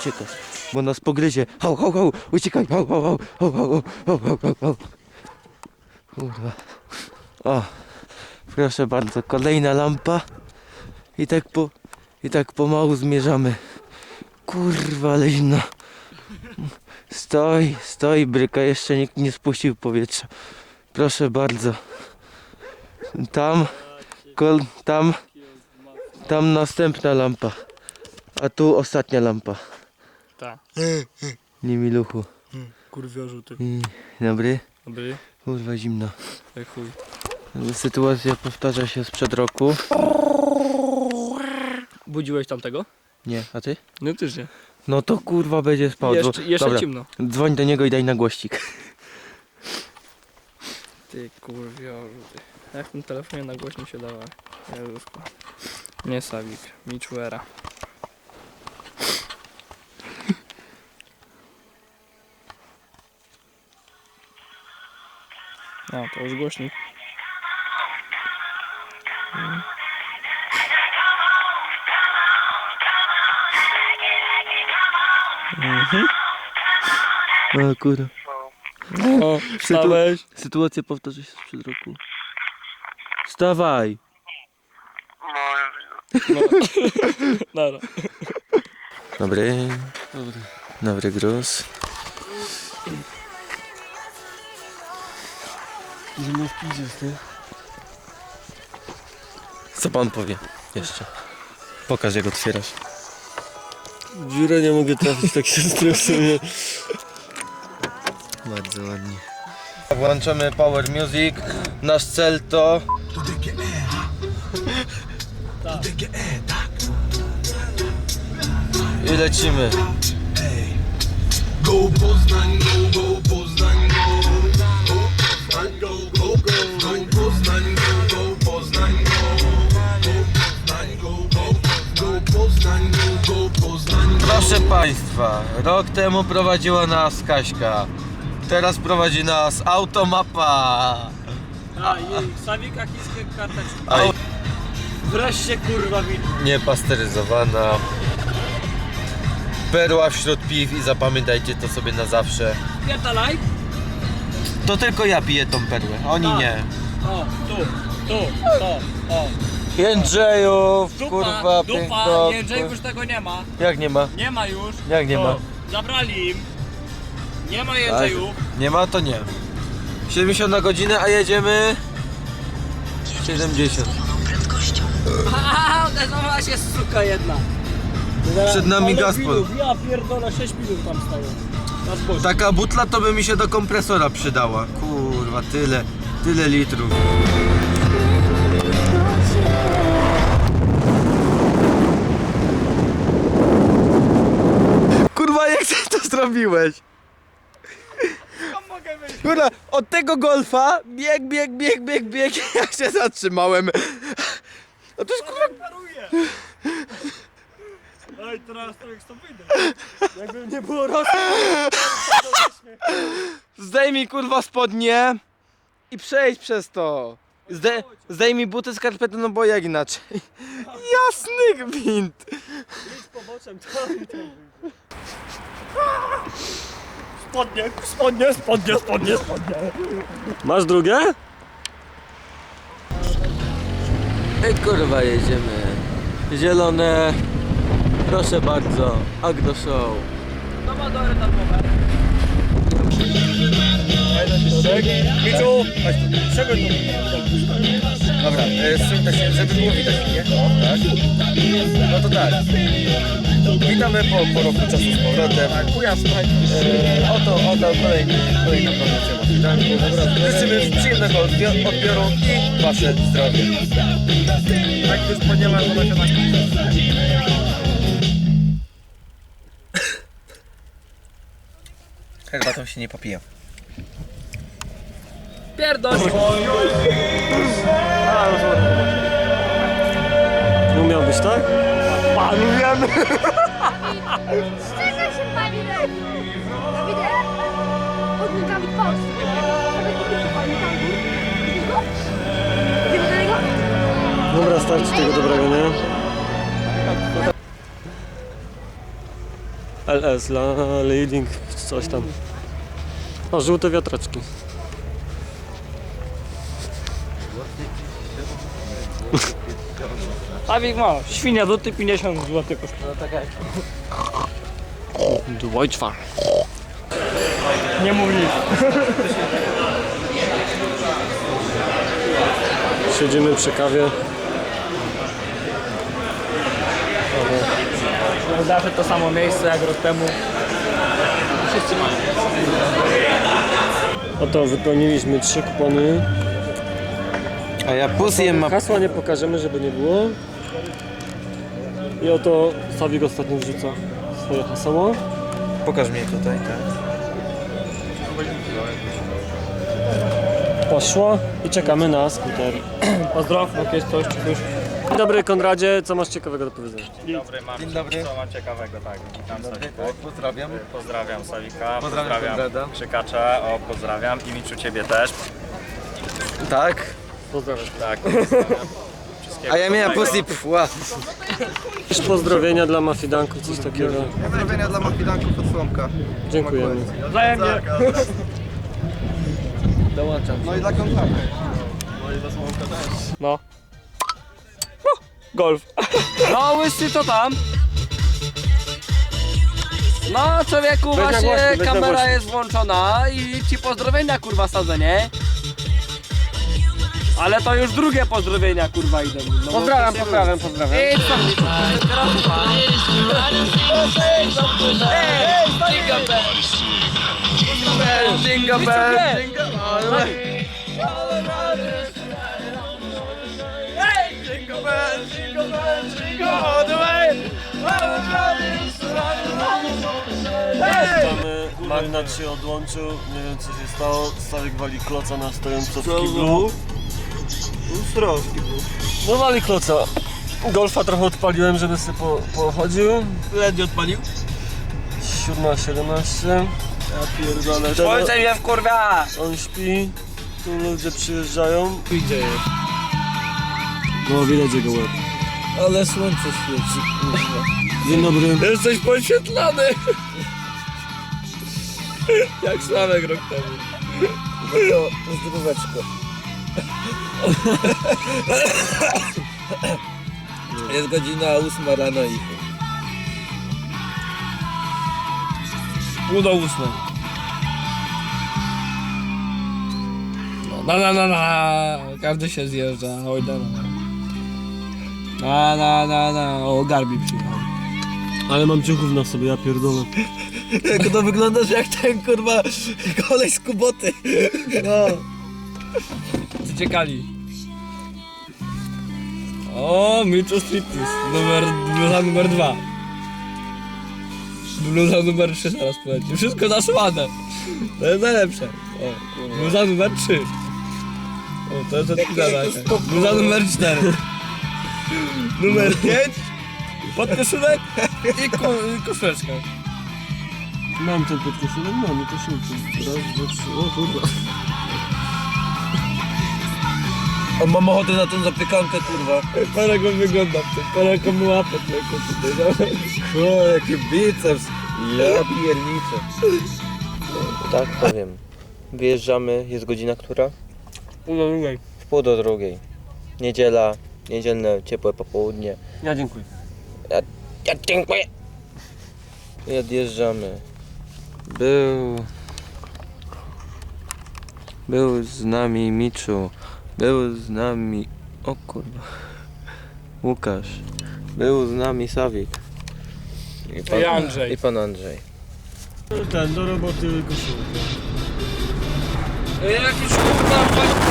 uciekać, bo nas pogryzie. Hał, hał, hał, uciekaj, hał, hał, hał, hał, hał, hał, hał, hał, hał. Kurwa. O, proszę bardzo, kolejna lampa. I tak pomału zmierzamy. Kurwa, ale zimno. Stoi bryka, jeszcze nikt nie spuścił powietrza. Proszę bardzo. Tam następna lampa. A tu ostatnia lampa. Tak. Nie miluchu. Kurwiorzu ty. Dobry. Dobry. Kurwa zimno. Jak chuj. Sytuacja powtarza się sprzed roku. Budziłeś tamtego? Nie, a ty? No też nie. No to kurwa będzie spał. Jeszcze Dobra, ciemno. dzwoń do niego i daj na głośnik. Ty kurwiorzu ty. Jak w tym telefonie na głośnik się dała. Jezusko. Nie Sawik. Michuera. No to już głośnik. O kurwa. O, wstałeś. Sytuacja powtarza się sprzed roku. Wstawaj! No. Dobra. Dobry. Dobry gruz. Zimno w pidzie, ty. Co pan powie jeszcze? Pokaż jak otwierasz. Dziurę nie mogę trafić, tak się stresuję. Bardzo ładnie. Włączamy Power Music. Nasz cel to... I lecimy. Go Poznań, go Poznań, go Poznań, go Poznań, go Poznań, go Poznań, go Poznań. Proszę państwa, rok temu prowadziła nas Kaśka. Teraz prowadzi nas Automapa. A i Sawika chińskie karteczki. Aj. Wreszcie kurwa widać. Niepasteryzowana. Perła wśród piw i zapamiętajcie to sobie na zawsze. Pierdalaj. To tylko ja piję tą perłę, oni Tak. nie. O, tu, o. Jędrzejów, Dupa, kurwa, dupa, piękno. Jędrzejów już tego nie ma. Jak nie ma? Nie ma już. Jak nie ma? Zabrali im. Nie ma Jędrzejów. Nie ma, to nie. 70 na godzinę, a jedziemy 70. Haha, odezwała się suka jedna. Przed nami Gazprom. Ja pierdolę, 6 minut tam stają. Na zboże. Taka butla to by mi się do kompresora przydała. Kurwa, tyle litrów. Kurwa, jak ty to zrobiłeś? Kurwa, od tego golfa bieg, ja się zatrzymałem. No to jest kurwa... Ej, teraz to jak stąd wyjdę. Jakby nie było rosu. Zdejmij kurwa spodnie i przejdź przez to. Zdejmij buty, skarpety, no bo jak inaczej. Jasny gwint. Idź poboczem, tam wyjdzie. Spodnie. Masz drugie? Ej kurwa, jedziemy. Zielone. Proszę bardzo. Agro Show. To ma dory darmowe. Miczu, chodź tu. Czego tu? Dobra, żeby było widać, nie? Tak. No to tak. Witamy po roku czasu z powrotem. Oto kolejna promocja na Witanku. Życzymy przyjemnego odbioru i wasze zdrowie. Tak już ponieważ ona się tak... Herbatą się nie popija. Pierdol! Nie umiał być, tak? Panujemy! Szczerze się pani lepiej. Widzę? Odnikami twarz. Widzisz do niego? Dobra, starczy tego dobrego, nie? LS, leading, coś tam. O, żółte wiatraczki. Sławik ma, świnia duty 50 zł kosztuje. Deutschfar. Nie mów nic. Siedzimy przy kawie. Zawsze to samo miejsce jak rok temu. Wszyscy mają. Oto wypełniliśmy 3 kupony. A ja pusję ma... Hasła nie pokażemy, żeby nie było. I oto Sławik ostatnio wrzuca swoje haseło. Pokaż mnie tutaj, tak. Poszło i czekamy na skuter. Pozdrow, jak jest coś, czy coś. Dzień dobry Konradzie, co masz ciekawego do powiedzenia? Dzień dobry, mam Dzień dobry. co mam ciekawego, tak, witam Sawika. Pozdrawiam. Pozdrawiam Sawika, Pozdrawiam Konrada. Krzykacza, o pozdrawiam i Miczu ciebie też. Tak. Pozdrawiam. Tak, pozdrawiam. Wszystkiego A ja miałem dobrego. pusję pfła. Jakieś pozdrowienia dla mafidanków, coś takiego. Pozdrowienia dla mafidanków od Słomka. Dziękujemy. Wzajemnie. Dołączam. No i dla kontaktu. No. Golf. No łysy, co tam? No człowieku, Weź na właśnie głośno, weź na kamera głośno. jest włączona i ci pozdrowienia kurwa sadzę, nie? Ale to już drugie pozdrowienia kurwa idą. No bo Pozdrawiam, to się pozdrawiam, pozdrawiam. Ej, co mi to? Jingle bell. Mamy, Magnat się odłączył, nie wiem co się stało. Sławik wali kloca na stojąco w kiblu. No wali kloca. Golfa trochę odpaliłem, żeby sobie pochodził. Ledwie odpalił? 7:17. Ja pierdolę. Ojcze mnie wkurwia! On śpi, tu ludzie przyjeżdżają. Gdzie jest? No widać jego łeb. Ale słońce świeci. Dzień dobry. Jesteś podświetlany. Jak Sławek rok temu. To zdróweczko. Jest godzina 8 rano i... Pół do 8. No, na. Każdy się zjeżdża. Oj, na. O, Garbi przyjechał. Ale mam ciuchów na sobie, ja pierdolę. Jak to wyglądasz jak ten kurwa kolej z Kuboty. No. Ciekali. O, Miczu Striptease. Bluza numer 2. Bluza numer 3 zaraz poleci. Wszystko nasłane. To jest najlepsze. O, bluza numer 3. O, to jest odpisane. Bluza numer 4. Numer 5. Podkoszulek i koszuleczka. Mam ten podkoszulek, mam i koszulki. Raz, dwa, trzy, o kurwa. On mam ochotę na tą zapiekankę kurwa. Parę go wygląda w tym. Parę go mu łapę tylko tutaj. O, jaki biceps. Ja pierniczę. Tak, powiem. Wyjeżdżamy, jest godzina która? Pół do drugiej. W pół do drugiej. Niedziela, niedzielne ciepłe popołudnie. Ja dziękuję. Ja dziękuję. I odjeżdżamy. Był z nami Miczu. Był z nami... O kurwa. Łukasz. Był z nami Sawik. I Andrzej. I pan Andrzej. Ten, do roboty koszulkę. Jakiś kurwa